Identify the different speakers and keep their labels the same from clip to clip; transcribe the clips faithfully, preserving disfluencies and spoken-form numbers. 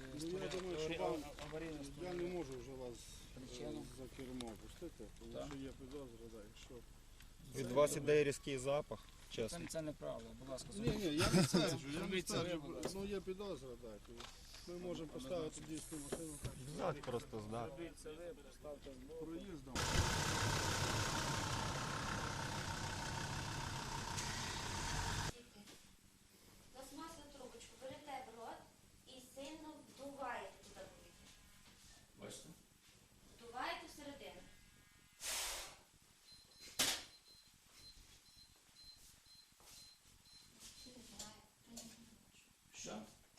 Speaker 1: Ну, я думаю, що вам,
Speaker 2: аварійна
Speaker 1: я не можу вже вас
Speaker 2: Причина?
Speaker 1: е, за кермо пустити, тому
Speaker 2: Так.
Speaker 1: що є підозра, да, якщо...
Speaker 3: Від вас іде різкий запах,
Speaker 2: Це,
Speaker 3: чесно.
Speaker 2: це неправда, будь ласка.
Speaker 1: Ні, ні, я не стверджую, я не
Speaker 2: Зробіть це ви,
Speaker 1: стверджую,
Speaker 2: будь ласка.
Speaker 1: ну є підозра, так. Ми можемо поставити дійсну машину, так,
Speaker 3: Здати просто здати.
Speaker 2: Зробіть це ви, поставте збоку.
Speaker 1: проїздом.
Speaker 4: Пластмасову трубочку берете в рот і сильно вдуваєте туди повітря.
Speaker 2: Бачите?
Speaker 4: Вдуваєте всередину. Що не знаю, та ні, не хочу.
Speaker 2: Що?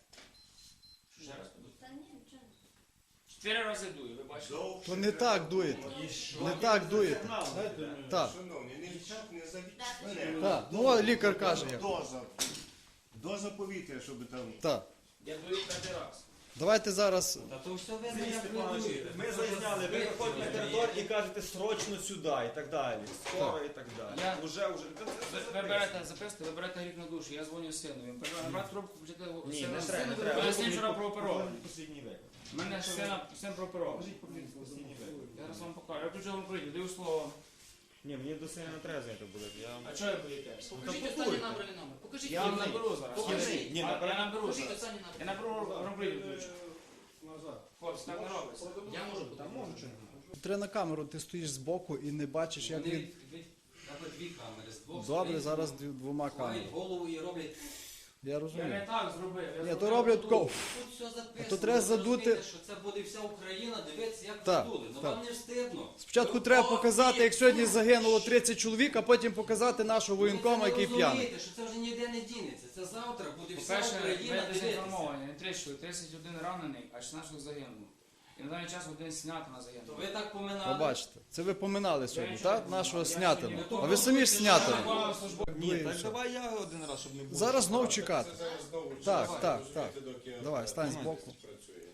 Speaker 2: Ще раз подуйте.
Speaker 4: Та ні, нічого не.
Speaker 2: Чотири рази дую, ви бачите?
Speaker 5: То не так дуєте. Не так дуєте. Так.
Speaker 6: Шановні, не вчать, не завіть
Speaker 4: Так.
Speaker 6: мене.
Speaker 5: Так. Ну, от лікар каже як.
Speaker 6: Доза. Доза повітря, щоб там...
Speaker 5: Так.
Speaker 2: Я дую п'ятий раз.
Speaker 5: Давайте зараз.
Speaker 7: Та то все видно,
Speaker 3: Сергій
Speaker 7: як ви
Speaker 3: Степанович,
Speaker 7: дуєте.
Speaker 3: ми зайняли, ви виходите на територію і кажете срочно сюди і так далі. Скоро і так далі.
Speaker 2: Я-
Speaker 3: Уже, уже.
Speaker 2: Ви, ви берете, записуйте, ви берете гріх на душу, я дзвоню синові. Набрати трубку, почати
Speaker 3: Ні,
Speaker 2: сина.
Speaker 3: не треба, не треба.
Speaker 2: Поясніть, вчора прооперований.
Speaker 3: Послідній виклик.
Speaker 2: У мене сина, син прооперований.
Speaker 3: Послідній виклик.
Speaker 2: Я зараз вам покажу. Я включив вам прийду, даю слово.
Speaker 3: Ні, мені до сина не треба знати буде. Я...
Speaker 2: А чого я боїтесь?
Speaker 8: Покажіть останній набраний номер. Покажіть
Speaker 2: Я вам
Speaker 8: номер.
Speaker 2: наберу зараз.
Speaker 8: Покажіть.
Speaker 3: Ні,
Speaker 2: А,
Speaker 3: наберу.
Speaker 2: я наберу
Speaker 8: Покажіть
Speaker 2: зараз.
Speaker 8: останній
Speaker 2: Я
Speaker 8: набраний.
Speaker 2: наберу ромблю ключ.
Speaker 1: Назад.
Speaker 2: Хлопці, так не робиться.
Speaker 8: Я можу бути.
Speaker 3: можу чи
Speaker 5: Треба на камеру, ти стоїш збоку і не бачиш, як
Speaker 7: Вони
Speaker 5: він.
Speaker 7: від- від- аби дві камери з двох
Speaker 5: Добре,
Speaker 7: сторін
Speaker 5: зараз дві- двома
Speaker 7: ховають
Speaker 5: камерами.
Speaker 7: голову і роблять.
Speaker 5: Я
Speaker 2: Я не
Speaker 5: розумію.
Speaker 2: так зробив. я
Speaker 5: Ні,
Speaker 2: зробив
Speaker 5: то роблять
Speaker 2: тут.
Speaker 5: тако.
Speaker 7: Тут все записано.
Speaker 5: то треба
Speaker 7: ви
Speaker 5: задути-
Speaker 7: розумієте, що це буде вся Україна дивитися, як
Speaker 5: Так,
Speaker 7: ви дули. Ну
Speaker 5: так.
Speaker 7: вам не встидно.
Speaker 5: Спочатку
Speaker 7: Ви
Speaker 5: треба
Speaker 7: о,
Speaker 5: показати, як сьогодні
Speaker 7: ви-
Speaker 5: загинуло тридцять чоловік, а потім показати нашого воєнкома, який
Speaker 7: Ви це не
Speaker 5: п'яний.
Speaker 7: розумієте, що це вже ніде не дінеться. Це завтра буде вся
Speaker 2: По-перше,
Speaker 7: Україна
Speaker 2: ви
Speaker 7: дивитися.
Speaker 2: дезінформовані. Не тридцять чоловік, тридцять один ранений, а шістнадцять загинуло. І на даний час один снято на
Speaker 7: То
Speaker 2: загинуло.
Speaker 7: ви так поминали.
Speaker 5: Побачите, це ви поминали сьогодні,
Speaker 2: Я
Speaker 5: так?
Speaker 2: нічого не
Speaker 5: Нашого
Speaker 2: знаю.
Speaker 5: снятина.
Speaker 2: Я
Speaker 5: А ви самі ж снятини.
Speaker 3: Ні,
Speaker 5: Ну,
Speaker 3: так
Speaker 5: все.
Speaker 3: давай я один раз, щоб не було.
Speaker 5: Зараз знов чекати.
Speaker 6: Зараз знову
Speaker 5: Так,
Speaker 6: час,
Speaker 5: так,
Speaker 6: розумієте,
Speaker 5: так.
Speaker 6: доки
Speaker 5: Давай, стань збоку.
Speaker 6: працює.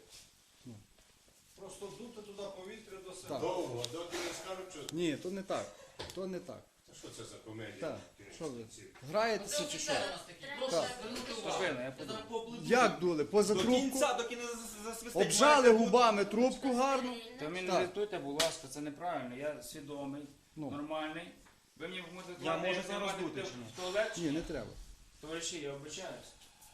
Speaker 1: Просто дути туди повітря до себе.
Speaker 5: Так.
Speaker 6: Довго, доки не скажуть, що...
Speaker 5: Ні, то не так. То не так.
Speaker 6: Та що це за комедія?
Speaker 5: Так,
Speaker 6: Кінець
Speaker 5: що ви?
Speaker 6: кінців.
Speaker 5: Граєтеся
Speaker 8: Це
Speaker 5: чи що?
Speaker 8: офіцери у нас такі.
Speaker 4: Так.
Speaker 8: Прошу звернути увагу.
Speaker 2: Спокійно, я
Speaker 8: Я
Speaker 2: подумаю.
Speaker 8: зараз поаплодую.
Speaker 5: Як дули? Поза
Speaker 3: До
Speaker 5: трубку?
Speaker 3: кінця, доки не зас- засвистить.
Speaker 5: Обжали губами трубку гарно.
Speaker 2: Та мені
Speaker 5: Так.
Speaker 2: не диктуйте, будь ласка, це неправильно. Я свідомий,
Speaker 5: Ну.
Speaker 2: нормальний. Ви мені можете
Speaker 3: Я
Speaker 2: сказати,
Speaker 3: можу
Speaker 2: як
Speaker 3: зараз
Speaker 2: мати
Speaker 3: дути
Speaker 2: йти
Speaker 3: чи ні?
Speaker 2: в туалет? чи
Speaker 5: Ні, не треба.
Speaker 2: Товариші, я обичаюсь.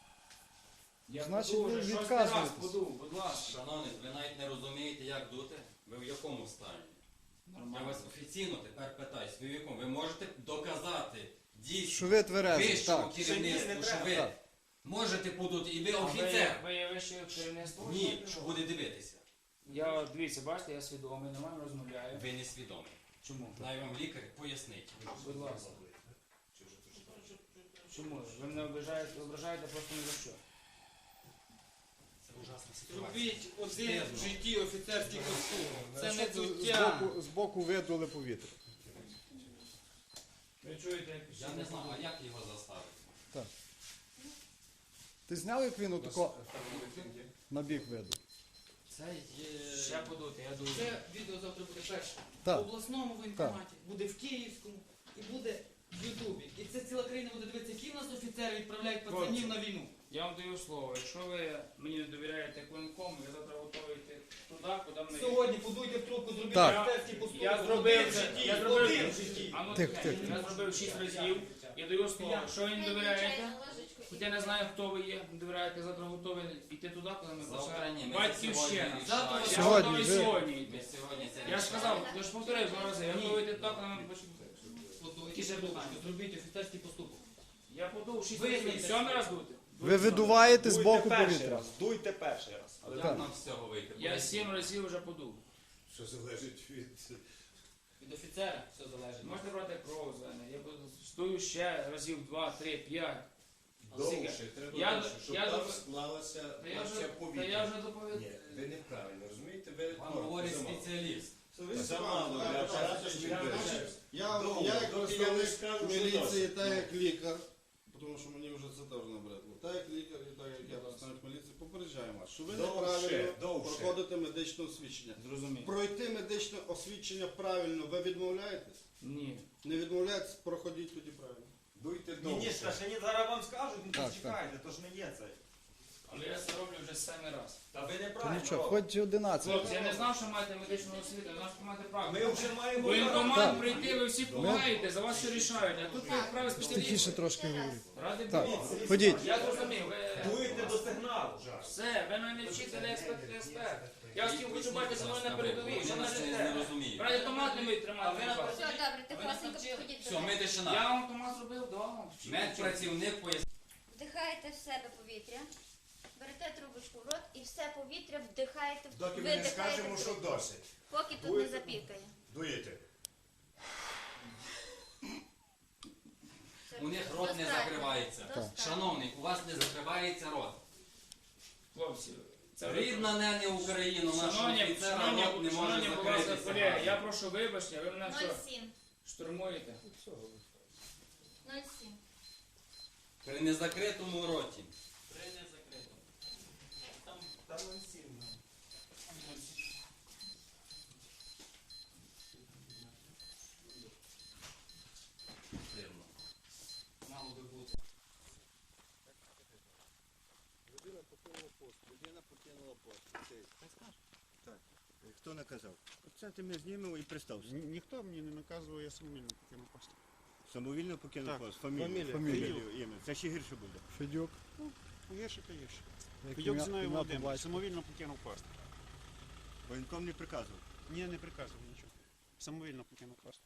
Speaker 2: Я
Speaker 5: Значить,
Speaker 2: подув
Speaker 5: ви
Speaker 2: вже, шостий
Speaker 5: відказуєтесь.
Speaker 2: раз подув, будь ласка.
Speaker 7: Шановні, ви навіть не розумієте, як дути. Ви в якому стані? Я
Speaker 2: Нормально.
Speaker 7: вас офіційно тепер питаюсь, ви в якому? Ви можете доказати дійсно
Speaker 5: Що ви тверезі,
Speaker 7: вищому
Speaker 5: так.
Speaker 7: керівництву,
Speaker 3: Ще ні, не
Speaker 7: що
Speaker 3: треба.
Speaker 7: ви
Speaker 5: Так.
Speaker 7: можете подути, і ви
Speaker 2: А ви-
Speaker 7: офіцер.
Speaker 2: Ви є вище керівництво?
Speaker 7: Ні, що буде дивитися.
Speaker 2: Я, дивіться, бачите, я свідомий, нормально розмовляю.
Speaker 7: Ви не свідомі.
Speaker 2: Чому?
Speaker 7: Дай вам лікар пояснить.
Speaker 2: Будь ласка. Чому? Ви мене ображаєте, ображаєте просто ні за що.
Speaker 7: Це ужасна ситуація.
Speaker 8: Зробіть один
Speaker 7: Стидно.
Speaker 8: в житті офіцерський костюм. Це не
Speaker 5: З
Speaker 8: дуття.
Speaker 5: боку, з боку видули повітря.
Speaker 2: Ви чуєте, як
Speaker 7: Я не знаю, а як його заставити?
Speaker 5: Ти зняв, як він отако на бік виду?
Speaker 7: Це є...
Speaker 2: ще подути, я думаю.
Speaker 8: Це відео завтра буде перше.
Speaker 5: Так.
Speaker 8: В обласному воєнкоматі, буде в Київському і буде в Ютубі. І це ціла країна буде дивитися, які в нас офіцери відправляють пацанів на війну.
Speaker 2: Я вам даю слово, якщо ви мені не довіряєте як воєнкому, я завтра готовий йти туди, куди мене...
Speaker 8: Сьогодні подуйте в трубку, зробіть
Speaker 5: Так.
Speaker 8: офіцерський поступок.
Speaker 2: Я зробив
Speaker 8: Один в
Speaker 2: це,
Speaker 8: житті,
Speaker 2: я
Speaker 8: один
Speaker 2: зробив
Speaker 8: в житті.
Speaker 2: А ну,
Speaker 5: Тихо,
Speaker 2: тихо,
Speaker 5: тихо.
Speaker 2: я зробив шість разів, я даю слово, якщо ви не довіряєте, хоч я не знаю, хто ви є, не довіряєте, завтра готовий йти туди, куди ми
Speaker 7: Завтра ні, ми
Speaker 2: Батьківщина.
Speaker 7: це
Speaker 8: Завтра
Speaker 2: Я
Speaker 5: Сьогодні
Speaker 2: готовий
Speaker 5: ви-
Speaker 2: сьогодні
Speaker 7: Ми
Speaker 2: йти.
Speaker 7: сьогодні це
Speaker 2: Я ж сказав, я ж повторив два рази, я
Speaker 8: Ні.
Speaker 2: готовий йти туди, куди ми почнемо.
Speaker 8: Подуйте в трубочку, зробіть офіцерський поступок.
Speaker 2: Я подув шість
Speaker 8: Визнайте.
Speaker 2: разів, сьомий раз дути.
Speaker 5: Ви видуваєте з
Speaker 3: Дуйте
Speaker 5: боку
Speaker 3: перший
Speaker 5: повітря.
Speaker 3: раз, дуйте перший раз.
Speaker 7: Але
Speaker 5: Так.
Speaker 7: як нам з цього вийти?
Speaker 2: Я сім разів вже подув.
Speaker 6: Що залежить від...
Speaker 8: Від офіцера все залежить.
Speaker 2: Можете брати кров з мене, я буду- стою ще разів два, три, п'ять.
Speaker 6: Довше, треба
Speaker 2: Я-
Speaker 6: довше, щоб
Speaker 2: я
Speaker 6: там
Speaker 2: до-
Speaker 6: склалася
Speaker 2: Та я вже,
Speaker 6: порція
Speaker 2: та я
Speaker 6: повітря.
Speaker 2: вже доповідав.
Speaker 6: Ні, ви неправильно, розумієте? Ви
Speaker 7: Вам
Speaker 6: норм,
Speaker 7: говорить
Speaker 6: замало.
Speaker 7: спеціаліст.
Speaker 6: Замало, для апарату ж відбираєш.
Speaker 1: Я,
Speaker 6: Довго,
Speaker 1: я як
Speaker 6: доки я не
Speaker 1: представник
Speaker 6: скажу, що
Speaker 1: міліції,
Speaker 6: досить.
Speaker 1: так як лікар, тому що мені вже це теж набридло. Так як лікар і так як я представник міліції, попереджаємо вас, що ви
Speaker 6: Довше,
Speaker 1: неправильно
Speaker 6: довше.
Speaker 1: проходите медичне освідчення.
Speaker 2: Зрозумів.
Speaker 1: Пройти медичне освідчення правильно, ви відмовляєтесь?
Speaker 2: Ні.
Speaker 1: Не відмовляєтесь, проходіть тоді правильно.
Speaker 6: Дуйте
Speaker 3: Ні, ні,
Speaker 6: довше.
Speaker 3: ще ні, зараз вам скажуть, ну
Speaker 5: Так,
Speaker 3: то чекайте, то ж не є це.
Speaker 2: Але я це роблю вже семи раз.
Speaker 3: Та ви
Speaker 5: То
Speaker 3: неправильно.
Speaker 5: нічого, хоч одинадцять.
Speaker 2: Хлопці, я не знав, що маєте медичну освіту, я знав, що маєте право.
Speaker 3: Ми вже маємо.
Speaker 2: Воєнкомат
Speaker 5: Так.
Speaker 2: прийти, ви всі допомагаєте, за вас все рішають, а тут ви вправі
Speaker 5: Тихіше
Speaker 2: спеціалісти.
Speaker 5: трошки говоріть.
Speaker 2: Ради
Speaker 5: Так,
Speaker 2: Бога.
Speaker 5: ходіть.
Speaker 2: Я зрозумів, ви...
Speaker 3: Дуєте до сигналу.
Speaker 2: Все, ви мене вчитель, експерт, експерт. Я всім хочу бачити себе на передовій, що
Speaker 7: Ви
Speaker 2: на
Speaker 7: нас не
Speaker 2: життя.
Speaker 7: розумієте.
Speaker 2: Раді автомат не вміють тримати.
Speaker 8: А ви на-
Speaker 4: Все, добре, тихосенько підходіть до
Speaker 7: Все,
Speaker 4: мене.
Speaker 7: ми
Speaker 2: Я
Speaker 7: тишина.
Speaker 2: вам автомат зробив вдома.
Speaker 7: Медпрацівник пояснив.
Speaker 4: Вдихаєте в себе повітря, берете трубочку в рот і все повітря вдихаєте,
Speaker 6: Доки ми не
Speaker 4: видихаєте
Speaker 6: скажемо,
Speaker 4: в
Speaker 6: що
Speaker 4: трубку,
Speaker 6: досить.
Speaker 4: поки тут не
Speaker 6: Дуєте?
Speaker 4: запікає.
Speaker 6: Дуєте.
Speaker 4: Все,
Speaker 7: У них рот не
Speaker 4: достатньо.
Speaker 7: закривається.
Speaker 4: Достатньо.
Speaker 7: Шановний, у вас не закривається рот.
Speaker 2: Хлопці, це
Speaker 7: Рідна не не Україну, нашого
Speaker 2: Шановні,
Speaker 7: офіцера рот
Speaker 2: шановні,
Speaker 7: не може
Speaker 2: шановні, будь ласка,
Speaker 7: закритися.
Speaker 2: колеги, я прошу вибачення, ви мене все
Speaker 4: нуль сім.
Speaker 2: штурмуєте.
Speaker 4: нуль сім.
Speaker 7: При незакритому роті. Дивно. Мало би бути.
Speaker 9: Людина покинула пост. Людина покинула пост.
Speaker 6: Так. Хто наказав? Це ти ми знімемо і представся.
Speaker 9: Ні- Ніхто мені не наказував, я самовільно покинув пост.
Speaker 6: Самовільно покинув
Speaker 9: Так.
Speaker 6: пост. Фамілію.
Speaker 9: Фамілія.
Speaker 6: Фамілію, ім'я. Це ще гірше буде.
Speaker 5: Федюк.
Speaker 9: Гірше та гірше.
Speaker 5: Як
Speaker 9: Федюк
Speaker 5: ім'я-
Speaker 9: Зіною
Speaker 5: ім'я по
Speaker 9: Володимирович,
Speaker 5: батьку.
Speaker 9: самовільно покинув пост.
Speaker 6: Воєнком не приказував.
Speaker 9: Ні, не приказував нічого. Самовільно покинув пост.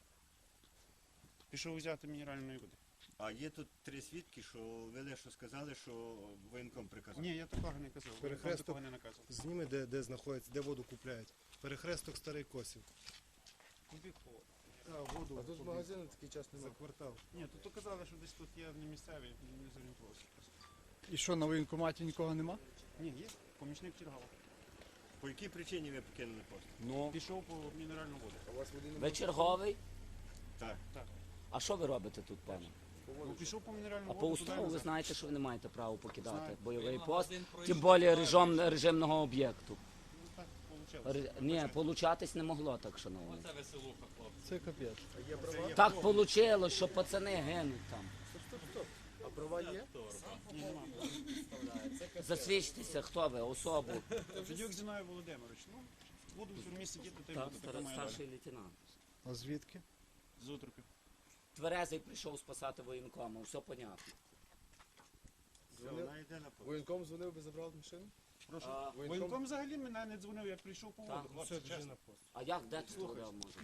Speaker 9: Пішов взяти мінеральної води.
Speaker 6: А є тут три свідки, що ви лише сказали, що воєнком приказав.
Speaker 9: Ні, я такого не казав. Я
Speaker 10: Перехресток.
Speaker 9: такого не наказував.
Speaker 10: Зніми, де, де знаходиться, де воду купляють. Перехресток Старий Косів.
Speaker 9: Куди по?
Speaker 10: А, воду. А тут магазину такий час За немає. квартал.
Speaker 9: Ні, тут казали, що десь тут є не місцеві, не зорієнтувався.
Speaker 5: І що, на воєнкоматі нікого нема?
Speaker 9: Ні, є. Помічник Чергава.
Speaker 6: По якій причині ви покинули пост?
Speaker 11: Ну,
Speaker 9: Пішов по мінеральну воду.
Speaker 10: А у вас води
Speaker 11: ви
Speaker 10: немає?
Speaker 11: черговий?
Speaker 6: Так.
Speaker 11: А що ви робите тут, пане?
Speaker 9: Ну, пішов по мінеральну
Speaker 11: А
Speaker 9: воду.
Speaker 11: по
Speaker 9: туди
Speaker 11: уставу ви
Speaker 9: назад.
Speaker 11: знаєте, що ви не маєте права покидати
Speaker 9: Знаю.
Speaker 11: бойовий
Speaker 7: Ви
Speaker 11: пост,
Speaker 7: магазин
Speaker 11: тим
Speaker 7: пройшли,
Speaker 11: більше режим, режимного об'єкту.
Speaker 9: Ну, так вийшло.
Speaker 11: Ре- Ні, получатись не могло так, шановні.
Speaker 7: Оце веселуха, хлопці.
Speaker 5: Це капець.
Speaker 10: А є права?
Speaker 11: Так вийшло, що пацани гинуть там.
Speaker 10: Стоп, стоп, стоп. А права є?
Speaker 9: Ні, нема.
Speaker 11: Засвідчтеся, хто ви, особу.
Speaker 9: Федюк Зіною Володимирович. Ну, буду в тюрмі сидіти, то й
Speaker 11: Так,
Speaker 9: буду. Така
Speaker 11: стар-
Speaker 9: моя доля.
Speaker 11: старший лейтенант.
Speaker 5: А звідки?
Speaker 9: З утрупів.
Speaker 11: Тверезий прийшов спасати воєнкома, все понятно.
Speaker 10: Дзвонив?
Speaker 6: Вона йде на пост.
Speaker 10: Воєнком дзвонив, би забрав машину?
Speaker 9: Прошу.
Speaker 11: А,
Speaker 9: Воєнком взагалі мене не дзвонив, я прийшов по
Speaker 11: Так.
Speaker 9: воду.
Speaker 10: Ну, все,
Speaker 9: Хлопці,
Speaker 10: біжи
Speaker 9: чесно.
Speaker 10: на пост.
Speaker 11: а як, де ти створив, може?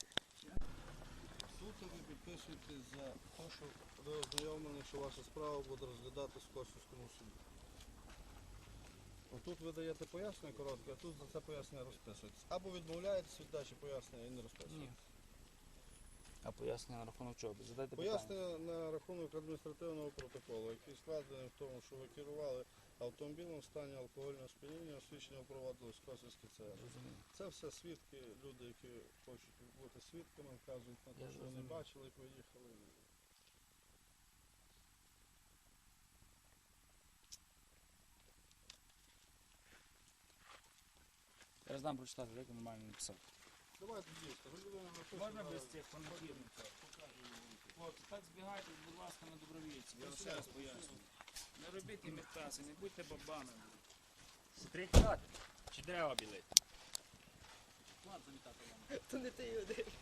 Speaker 1: Суд ви підписуєте за те, що ви ознайомлені, що ваша справа буде розглядатись в Косівському суді. Отут ви даєте пояснення коротке, а тут за це пояснення розписуєтесь. Або відмовляєтесь від дачі пояснення і не розписуєтесь.
Speaker 2: А пояснення на рахунок чого? Задайте
Speaker 1: Пояснення на рахунок адміністративного протоколу, який складений в тому, що ви керували автомобілем в стані алкогольного сп'яніння, освідчення проводилось в Косівській ЦР. Це все свідки, люди, які хочуть бути свідками, вказують на те,
Speaker 2: Я
Speaker 1: що вони
Speaker 2: зрозумів.
Speaker 1: бачили, як ви їхали.
Speaker 2: Я знаю прочитати, як я нормально написав.
Speaker 1: Давайте дійсно, ви людина написана.
Speaker 2: Можна без цих фанатів? Хлопці, так збігайте, будь ласка, на добровільці. Я ще раз пояснюю. Не робіть імітації, не будьте бабами. Стріть чи дерева білити? Ладно, замітати вам.
Speaker 10: То не ти один.